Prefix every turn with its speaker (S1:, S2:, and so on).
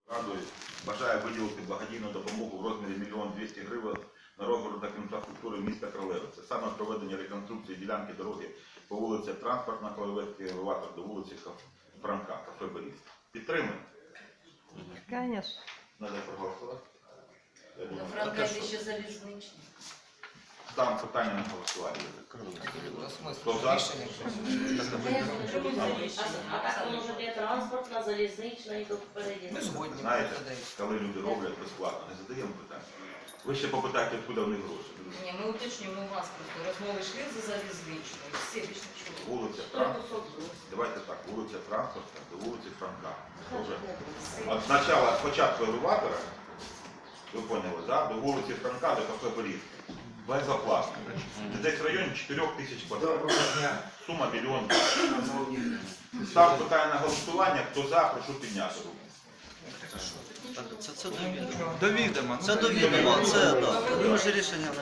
S1: Радою бажає виділити благодійну допомогу в розмірі 1 200 000 гривень на розвиток інфраструктури міста Кролевице. Саме проведення реконструкції ділянки дороги по вулиці Транспортна, Кролевецький елеватор до вулиці Франка, кафе Борис. Підтримуємо?
S2: Конечно.
S1: Надо проголосувати.
S3: До Франка ще залізничний.
S1: Там питання на голосування. Хто за?
S3: А так воно вже є транспортна, залізнична і тут впереді.
S4: Ми згодні.
S1: Знаєте, коли люди роблять безплатно, не задаємо питання. Ви ще попитайте, откуда в них гроші.
S3: Ні, ми уточнюємо у вас просто. Розмови йшли за залізничною. Всі більше чули.
S1: Вулиця Транспортна. Давайте так, вулиця Транспортна до вулиці Франка. Уже. От спочатку елеватора, ви поняли, да? До вулиці Франка, до кафе Борис. Безоплатно. Десь в районі 4 тисяч квадратів. Сума 1 мільйон. Став питання на голосування, хто за, прошу підняти руку.
S5: Це до відома.
S6: Це до відома, це, так. Ми вже рішення